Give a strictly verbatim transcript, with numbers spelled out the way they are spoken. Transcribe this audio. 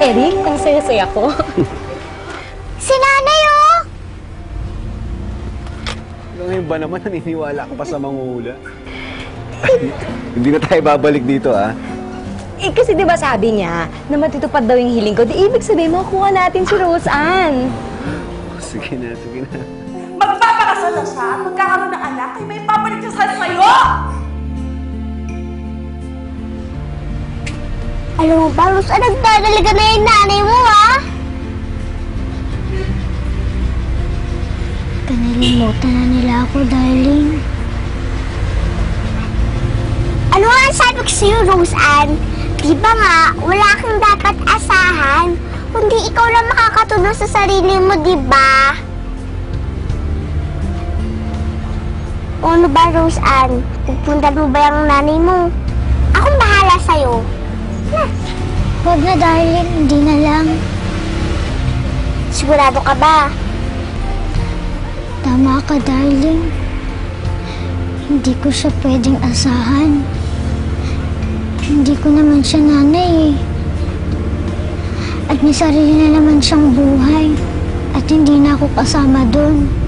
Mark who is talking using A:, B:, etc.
A: Eric, ang saya-saya ko.
B: Si nanay, oh!
C: Hanggang ngayon ba naman naniniwala ka pa sa manghuhula? Hindi na tayo babalik dito, ah.
A: Eh, kasi di ba sabi niya na matutupad daw yung hiling ko, di ibig sabihin makukuha natin si Rose Ann.
C: Sige na, sige na.
D: Magpapakasal na siya at magkakaroon ng anak ay may papalit siya sa sa'yo!
B: Alam mo ba, Rose, nagdadalaga na yung nanay mo, ha? Kanalimutan na nila ako, darling. Ano nga ang sabi ko sa'yo, Rose Ann? Di ba nga, wala kang dapat asahan, kundi ikaw lang makakatulong sa sarili mo, di ba? O ano ba, Rose Ann? Pupunta mo ba yung nanay mo? Akong bahala sa'yo. Na. Huwag na, darling. Hindi na lang. Sigurado ka ba? Tama ka, darling. Hindi ko siya pwedeng asahan. Hindi ko naman siya nanay eh. At may sarili na naman siyang buhay. At hindi na ako kasama doon.